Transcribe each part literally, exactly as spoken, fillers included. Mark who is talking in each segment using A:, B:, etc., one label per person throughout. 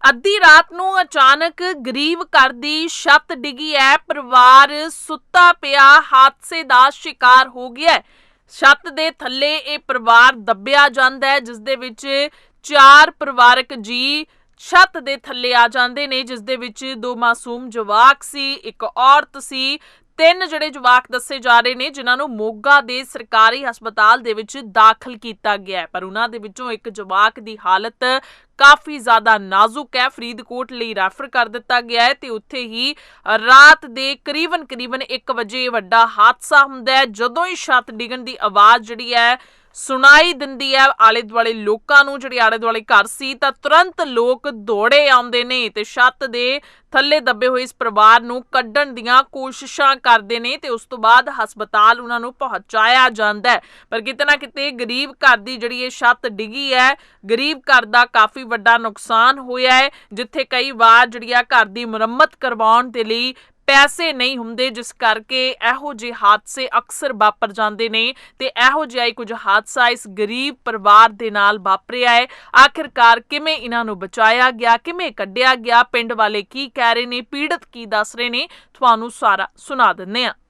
A: ਅੱਧੀ ਰਾਤ ਨੂੰ ਅਚਾਨਕ ਗਰੀਬ ਘਰ ਦੀ ਛੱਤ ਡਿੱਗੀ ਹੈ। ਪਰਿਵਾਰ ਸੁੱਤਾ ਪਿਆ ਹਾਦਸੇ ਦਾ ਸ਼ਿਕਾਰ ਹੋ ਗਿਆ ਹੈ। ਛੱਤ ਦੇ ਥੱਲੇ ਇਹ ਪਰਿਵਾਰ ਦੱਬਿਆ ਜਾਂਦਾ ਹੈ, ਜਿਸ ਦੇ ਵਿੱਚ ਚਾਰ ਪਰਿਵਾਰਕ ਜੀ ਛੱਤ ਦੇ ਥੱਲੇ ਆ ਜਾਂਦੇ ਨੇ, ਜਿਸ ਦੇ ਵਿੱਚ ਦੋ ਮਾਸੂਮ ਜਵਾਕ ਸੀ, ਇੱਕ ਔਰਤ ਸੀ। ਤਿੰਨ ਜਿਹੜੇ ਜਵਾਕ ਦੱਸੇ ਜਾ ਰਹੇ ਨੇ, ਜਿਨ੍ਹਾਂ ਨੂੰ ਮੋਗਾ ਦੇ ਸਰਕਾਰੀ ਹਸਪਤਾਲ ਦੇ ਵਿੱਚ ਦਾਖਲ ਕੀਤਾ ਗਿਆ ਹੈ, ਪਰ ਉਹਨਾਂ ਦੇ ਵਿੱਚੋਂ ਇੱਕ ਜਵਾਕ ਦੀ ਹਾਲਤ ਕਾਫੀ ਜ਼ਿਆਦਾ ਨਾਜ਼ੁਕ ਹੈ। ਫਰੀਦਕੋਟ ਲਈ ਰੈਫਰ ਕਰ ਦਿੱਤਾ ਗਿਆ ਹੈ ਤੇ ਉੱਥੇ ਹੀ ਰਾਤ ਦੇ ਕਰੀਬਨ ਕਰੀਬਨ ਇੱਕ ਵਜੇ ਵੱਡਾ ਹਾਦਸਾ ਹੁੰਦਾ ਹੈ। ਜਦੋਂ ਹੀ ਛੱਤ ਡਿੱਗਣ ਦੀ ਆਵਾਜ਼ ਜਿਹੜੀ ਹੈ ਸੁਣਾਈ ਦਿੰਦੀ ਹੈ ਆਲੇ ਦੁਆਲੇ ਲੋਕਾਂ ਨੂੰ, ਜਿਹੜੇ ਆਲੇ ਦੁਆਲੇ ਘਰ ਸੀ, ਤਾਂ ਤੁਰੰਤ ਲੋਕ ਦੌੜੇ ਆਉਂਦੇ ਨੇ ਤੇ ਛੱਤ ਦੇ ਥੱਲੇ ਦੱਬੇ ਹੋਏ ਇਸ ਪਰਿਵਾਰ ਨੂੰ ਕੱਢਣ ਦੀਆਂ ਕੋਸ਼ਿਸ਼ਾਂ ਕਰਦੇ ਨੇ ਤੇ ਉਸ ਤੋਂ ਬਾਅਦ ਹਸਪਤਾਲ ਉਹਨਾਂ ਨੂੰ ਪਹੁੰਚਾਇਆ ਜਾਂਦਾ ਹੈ। ਪਰ ਕਿਤੇ ਨਾ ਕਿਤੇ ਗਰੀਬ ਘਰ ਦੀ ਜਿਹੜੀ ਇਹ ਛੱਤ ਡਿੱਗੀ ਹੈ, ਗਰੀਬ ਘਰ ਦਾ ਕਾਫੀ ਵੱਡਾ ਨੁਕਸਾਨ ਹੋਇਆ ਹੈ, ਜਿੱਥੇ ਕਈ ਵਾਰ ਜਿਹੜੀ ਆ ਘਰ ਦੀ ਮੁਰੰਮਤ ਕਰਵਾਉਣ ਦੇ ਲਈ ਪੈਸੇ ਨਹੀਂ ਹੁੰਦੇ, ਜਿਸ ਕਰਕੇ ਇਹੋ ਜਿਹੇ ਹਾਦਸੇ ਅਕਸਰ ਵਾਪਰ ਜਾਂਦੇ ਨੇ ਤੇ ਇਹੋ ਜਿਹਾ ਹੀ ਕੁਝ ਹਾਦਸਾ ਇਸ ਗਰੀਬ ਪਰਿਵਾਰ ਦੇ ਨਾਲ ਵਾਪਰਿਆ ਹੈ। ਆਖਿਰਕਾਰ ਕਿਵੇਂ ਇਹਨਾਂ ਨੂੰ ਬਚਾਇਆ ਗਿਆ, ਕਿਵੇਂ ਕੱਢਿਆ ਗਿਆ, ਪਿੰਡ ਵਾਲੇ ਕੀ ਕਹਿ ਰਹੇ ਨੇ, ਪੀੜਤ ਕੀ ਦੱਸ ਰਹੇ ਨੇ, ਤੁਹਾਨੂੰ ਸਾਰਾ ਸੁਣਾ ਦਿੰਦੇ ਆ।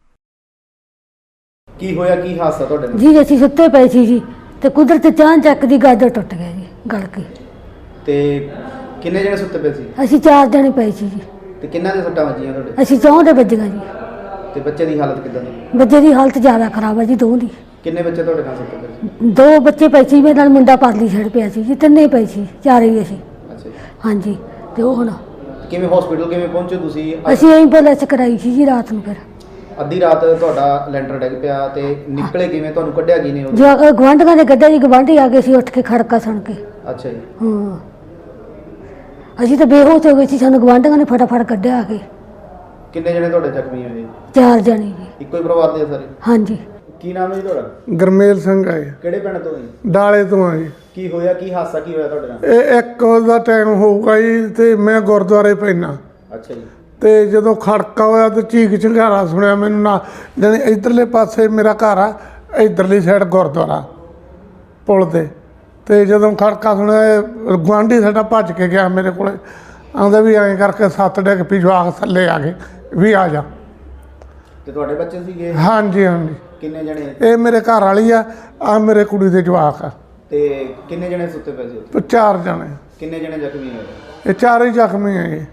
B: ਕੀ ਹੋਇਆ, ਕੀ ਹਾਦਸਾ ਤੁਹਾਡੇ ਨਾਲ?
C: ਜੀ ਅਸੀਂ ਸੁੱਤੇ ਪਏ ਸੀ ਜੀ ਤੇ ਕੁਦਰਤ ਚਾਂ ਚੱਕ ਦੀ ਗਾਦਰ ਟੁੱਟ ਗਿਆ ਜੀ, ਗਲ ਕੇ।
B: ਤੇ ਕਿੰਨੇ ਜਣੇ ਸੁੱਤੇ ਪਏ ਸੀ?
C: ਅਸੀਂ ਚਾਰ ਜਣੇ ਪਏ ਸੀ ਜੀ।
B: ਤੇ ਕਿੰਨਾਂ ਦੇ ਸੱਟਾਂ ਵੱਜੀਆਂ ਤੁਹਾਡੇ?
C: ਅਸੀਂ ਚੌਂ ਦੇ ਵੱਜੀਆਂ ਜੀ।
B: ਤੇ ਬੱਚੇ ਦੀ ਹਾਲਤ ਕਿੱਦਾਂ ਦੀ?
C: ਬੱਚੇ ਦੀ ਹਾਲਤ ਜ਼ਿਆਦਾ ਖਰਾਬ ਹੈ ਜੀ, ਦੋ ਦੀ।
B: ਕਿੰਨੇ ਬੱਚੇ ਤੁਹਾਡੇ ਨਾਲ ਸੁੱਤੇ ਪਏ ਸੀ?
C: ਦੋ ਬੱਚੇ ਪਏ ਸੀ, ਮੇਰੇ ਨਾਲ ਮੁੰਡਾ ਪਰਲੀ ਛੜ ਪਿਆ ਸੀ ਜੀ, ਤਿੰਨੇ ਪਏ ਸੀ, ਚਾਰੇ ਹੀ ਅਸੀਂ।
B: ਅੱਛਾ ਜੀ।
C: ਹਾਂਜੀ। ਤੇ ਉਹ ਹੁਣ
B: ਕਿਵੇਂ ਹਸਪੀਟਲ ਕਿਵੇਂ ਪਹੁੰਚੇ ਤੁਸੀਂ?
C: ਅਸੀਂ ਐਂਬੂਲੈਂਸ ਕਰਾਈ ਸੀ ਜੀ ਰਾਤ ਨੂੰ। ਫਿਰ
B: ਅੱਧੀ ਰਾਤ ਤੁਹਾਡਾ ਲੈਂਟਰ ਡਿੱਗ ਪਿਆ ਤੇ ਨਿਕਲੇ ਕਿਵੇਂ, ਤੁਹਾਨੂੰ ਕੱਢਿਆ ਕਿਨੇ?
C: ਜੋ ਗਵਾਂਢੀਆਂ ਨੇ ਕੱਢਿਆ ਜੀ, ਗਵਾਂਢੀ ਆ ਗਏ ਸੀ ਉੱਠ ਕੇ ਖੜਕਾ ਸੁਣ ਕੇ।
B: ਅੱਛਾ ਜੀ।
C: ਹਾਂ, ਅਸੀਂ ਤਾਂ ਬੇਹੋਸ਼ ਹੋ ਗਏ ਸੀ, ਸਾਨੂੰ ਗਵਾਂਢੀਆਂ ਨੇ ਫਟਾਫਟ ਕੱਢਿਆ ਆ ਕੇ।
B: ਕਿੰਨੇ ਜਣੇ ਤੁਹਾਡੇ ਜ਼ਖਮੀ ਹੋਏ?
C: ਚਾਰ ਜਣੇ ਜੀ।
B: ਇੱਕੋ ਹੀ ਪਰਿਵਾਰ ਦੇ ਸਾਰੇ?
C: ਹਾਂਜੀ।
B: ਕੀ ਨਾਮ ਹੈ ਜੀ ਤੁਹਾਡਾ?
D: ਗਰਮੇਲ ਸਿੰਘ ਹੈ।
B: ਕਿਹੜੇ ਪਿੰਡ ਤੋਂ ਹੈ?
D: ਡਾਲੇ ਤੋਂ ਆ ਜੀ।
B: ਕੀ ਹੋਇਆ, ਕੀ ਹਾਦਸਾ ਕੀ ਹੋਇਆ ਤੁਹਾਡੇ ਨਾਲ?
D: ਇਹ ਇੱਕ ਦਾ ਟਾਈਮ ਹੋਊਗਾ ਜੀ ਤੇ ਮੈਂ ਗੁਰਦੁਆਰੇ ਪੈਣਾ।
B: ਅੱਛਾ ਜੀ।
D: ਤੇ ਜਦੋਂ ਖੜਕਾ ਹੋਇਆ ਤੇ ਚੀਕ ਚਿੰਗਾਰਾ ਸੁਣਿਆ ਮੈਨੂੰ, ਨਾ ਜਾਣੀ ਇੱਧਰਲੇ ਪਾਸੇ ਮੇਰਾ ਘਰ ਆ, ਇੱਧਰਲੀ ਸਾਈਡ ਗੁਰਦੁਆਰਾ ਪੁਲ ਤੇ। ਤੇ ਜਦੋਂ ਖੜਕਾ ਸੁਣਿਆ, ਗੁਆਂਢੀ ਸਾਡਾ ਭੱਜ ਕੇ ਗਿਆ ਮੇਰੇ ਕੋਲੇ, ਆਉਂਦਾ ਵੀ ਐਂ ਕਰਕੇ ਸੱਤ ਡਿੱਗ ਪਈ, ਜਵਾਕ ਥੱਲੇ ਆ ਗਏ ਵੀ ਆ ਜਾ।
B: ਤੇ ਤੁਹਾਡੇ ਬੱਚੇ ਸੀਗੇ?
D: ਹਾਂਜੀ ਹਾਂਜੀ।
B: ਕਿੰਨੇ ਜਣੇ?
D: ਇਹ ਮੇਰੇ ਘਰ ਵਾਲੀ ਆ, ਆ ਮੇਰੇ ਕੁੜੀ ਦੇ ਜਵਾਕ ਆ।
B: ਤੇ ਕਿੰਨੇ ਜਣੇ ਸੁੱਤੇ ਪਏ ਸੀ ਉੱਥੇ?
D: ਚਾਰ ਜਣੇ।
B: ਕਿੰਨੇ ਜਣੇ ਜ਼ਖਮੀ ਹੋਏ?
D: ਇਹ ਚਾਰੇ ਹੀ ਜ਼ਖਮੀ ਆ ਜੀ।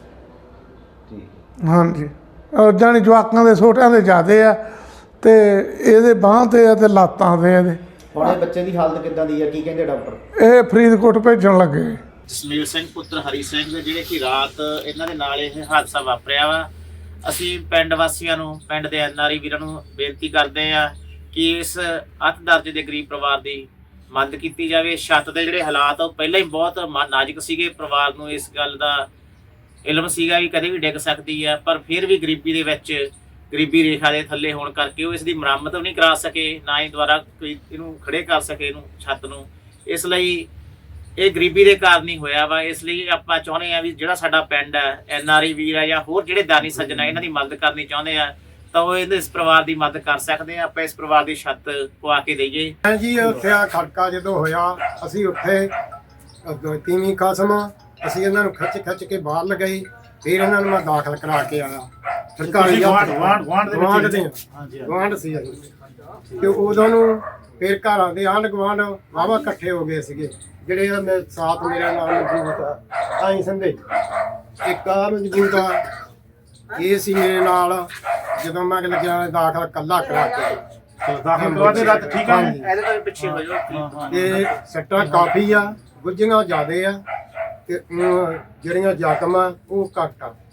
B: ਠੀਕ।
D: ਹਾਂਜੀ। ਜਾਣੀ ਜਵਾਕਾਂ ਦੇ ਛੋਟਿਆਂ ਦੇ ਜ਼ਿਆਦੇ ਆ ਤੇ ਇਹਦੇ ਬਾਂਹ ਤੇ ਆ ਤੇ ਲੱਤਾਂ ਤੇ ਇਹਦੇ।
B: ਹੁਣ ਇਹ ਬੱਚੇ ਦੀ ਹਾਲਤ ਕਿੱਦਾਂ ਦੀ ਹੈ, ਕੀ ਕਹਿੰਦੇ ਡਾਕਟਰ?
D: ਇਹ ਫਰੀਦਕੋਟ ਭੇਜਣ ਲੱਗੇ।
E: ਜਸਮੀਲ ਸਿੰਘ ਪੁੱਤਰ ਹਰੀ ਸਿੰਘ ਦੇ ਜਿਹੜੇ ਕਿ ਰਾਤ ਇਹਨਾਂ ਦੇ ਨਾਲ ਇਹ ਹਾਦਸਾ ਵਾਪਰਿਆ ਵਾ। ਅਸੀਂ ਪਿੰਡ ਵਾਸੀਆਂ ਨੂੰ, ਪਿੰਡ ਦੇ ਐਨ ਆਰ ਆਈ ਵੀਰਾਂ ਨੂੰ ਬੇਨਤੀ ਕਰਦੇ ਆ ਕਿ ਇਸ ਅੱਤ ਦਰਜੇ ਦੇ ਗਰੀਬ ਪਰਿਵਾਰ ਦੀ ਮਦਦ ਕੀਤੀ ਜਾਵੇ। ਛੱਤ ਦੇ ਜਿਹੜੇ ਹਾਲਾਤ ਉਹ ਪਹਿਲਾਂ ਹੀ ਬਹੁਤ ਨਾਜ਼ੁਕ ਸੀਗੇ, ਪਰਿਵਾਰ ਨੂੰ ਇਸ ਗੱਲ ਦਾ ਇਲਮ ਸੀਗਾ ਵੀ ਕਦੇ ਵੀ ਡਿੱਗ ਸਕਦੀ ਆ, ਪਰ ਫਿਰ ਵੀ ਗਰੀਬੀ ਦੇ ਵਿੱਚ, ਗਰੀਬੀ ਰੇਖਾ ਦੇ ਥੱਲੇ ਹੋਣ ਕਰਕੇ ਉਹ ਇਸ ਦੀ ਮੁਰੰਮਤ ਵੀ ਨਹੀਂ ਕਰਾ ਸਕੇ, ਨਾ ਹੀ ਦੁਬਾਰਾ ਕੋਈ ਇਹਨੂੰ ਖੜੇ ਕਰ ਸਕੇ, ਇਹਨੂੰ ਛੱਤ ਨੂੰ। ਇਸ ਲਈ ਇਹ ਗਰੀਬੀ ਦੇ ਕਾਰਨ ਹੀ ਹੋਇਆ ਵਾ। ਇਸ ਲਈ ਆਪਾਂ ਚਾਹੁੰਦੇ ਆ ਵੀ ਜਿਹੜਾ ਸਾਡਾ ਪਿੰਡ ਹੈ, ਐਨ ਆਰ ਆਈ ਵੀਰ ਆ ਜਾਂ ਹੋਰ ਜਿਹੜੇ ਦਾਨੀ ਸੱਜਣ ਆ, ਇਹਨਾਂ ਦੀ ਮਦਦ ਕਰਨੀ ਚਾਹੁੰਦੇ ਆ ਤਾਂ ਉਹ ਇਹਦੇ ਇਸ ਪਰਿਵਾਰ ਦੀ ਮਦਦ ਕਰ ਸਕਦੇ ਆ। ਆਪਾਂ ਇਸ ਪਰਿਵਾਰ ਦੀ ਛੱਤ ਪਵਾ ਕੇ ਦੇਈਏ।
F: ਜੀ ਉੱਥੇ ਆ ਖੜਕਾ ਜਦੋਂ ਹੋਇਆ, ਅਸੀਂ ਉੱਥੇ ਤੀਵੀਂ ਕਸਮ, ਅਸੀਂ ਇਹਨਾਂ ਨੂੰ ਖਿੱਚ ਖਿੱਚ ਕੇ ਬਾਹਰ ਲਗਾਈ, ਫਿਰ ਇਹਨਾਂ ਨੂੰ ਮੈਂ ਦਾਖਲ ਕਰਾ ਕੇ ਆਇਆ ਸਰਕਾਰੀ ਗਵਾਂਢ ਗਵਾਂਢ ਦੇ ਗਵਾਂਢ ਸੀ ਤੇ ਉਦੋਂ ਨੂੰ ਫਿਰ ਘਰਾਂ ਦੇ ਆਂਢ ਗਵਾਂਢ ਵਾਹਵਾ ਇਕੱਠੇ ਹੋ ਗਏ ਸੀਗੇ, ਜਿਹੜੇ ਮੇਰੇ ਸਾਥ, ਮੇਰਾ ਨਾਮ ਮਜਬੂਤ ਆ ਆਈ ਸੰਦੇ, ਇੱਕ ਆ ਮਜਬੂਤ ਆ, ਇਹ ਸੀ ਮੇਰੇ ਨਾਲ। ਜਦੋਂ ਮੈਂ ਲੱਗਿਆ ਦਾਖਲ ਕੱਲਾ ਕਰਾ ਕੇ ਦਾਖਲ ਕਰਵਾ ਦੇ ਰਾਤ, ਠੀਕ ਆ,
E: ਇਹਦੇ ਤੋਂ ਪਿੱਛੇ ਹੋ ਜਾਓ।
F: ਤੇ ਸੱਟਾਂ ਕਾਫੀ ਆ, ਗੁੱਝੀਆਂ ਜ਼ਿਆਦੇ ਆ ਤੇ ਜਿਹੜੀਆਂ ਜ਼ਖਮ ਆ ਉਹ ਘੱਟ ਆ।